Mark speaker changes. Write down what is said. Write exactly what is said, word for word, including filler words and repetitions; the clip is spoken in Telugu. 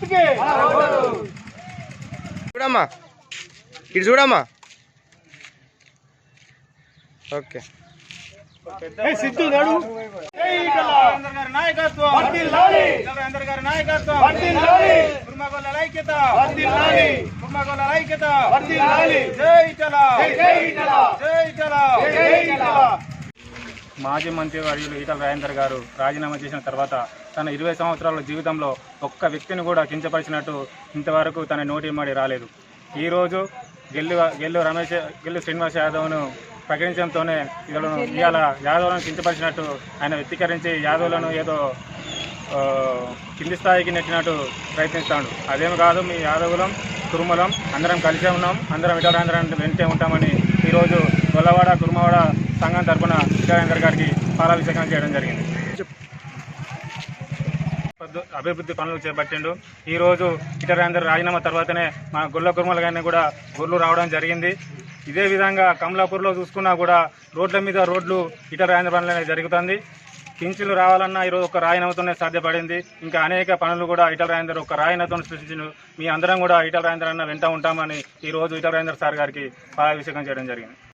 Speaker 1: గుర్తుకే
Speaker 2: చూడమ్మా ఇటు చూడమ్మా ఓకే
Speaker 1: సిద్ధు నడు గారి నాయకత్వం గారి నాయకత్వం కుర్మగొల్ల ఐక్యత కుర్మగొల్ల ఐక్యత జై చలా జై చలా
Speaker 3: మాజీ మంత్రి వర్యులు ఈటల రాజేందర్ గారు రాజీనామా చేసిన తర్వాత తన ఇరవై సంవత్సరాల జీవితంలో ఒక్క వ్యక్తిని కూడా కించపరిచినట్టు ఇంతవరకు తన నోటి మాడి రాలేదు. ఈరోజు గెల్లు గెల్లు రమేష్ గెల్లు శ్రీనివాస్ యాదవ్ను ప్రకటించడంతోనే వీళ్ళను ఇవాళ యాదవ్లను కించపరిచినట్టు ఆయన వ్యక్తీకరించి యాదవ్లను ఏదో కింది స్థాయికి నెట్టినట్టు ప్రయత్నిస్తాడు. అదేమి కాదు, మీ యాదవులం కురుమలం అందరం కలిసే ఉన్నాం, అందరం ఈటల రాజేందర్ వెంటే ఉంటామని ఈరోజు గొల్లవాడ కురుమవాడ సంఘం తరఫున ఈటల రాజేందర్ గారికి పాలాభిషేకం చేయడం జరిగింది. అభివృద్ధి పనులు చేపట్టిండు. ఈరోజు ఈటల రాజేందర్ రాజీనామా తర్వాతనే మా గొల్ల కురుమల గారిని కూడా గొర్రెలు రావడం జరిగింది. ఇదే విధంగా కమలాపూర్లో చూసుకున్నా కూడా రోడ్ల మీద రోడ్లు ఈటల రాజేందర్ పనులు అనేది జరుగుతుంది. పింఛన్లు రావాలన్నా ఈరోజు ఒక రాయనతోనే సాధ్యపడింది. ఇంకా అనేక పనులు కూడా ఈటల రాజేందర్ ఒక రాయనతో సృష్టించిండు. మీ అందరం కూడా ఈటల రాజేందర్ అన్న వెంట ఉంటామని ఈరోజు ఈటల రాజేందర్ సార్ గారికి పాలాభిషేకం చేయడం జరిగింది.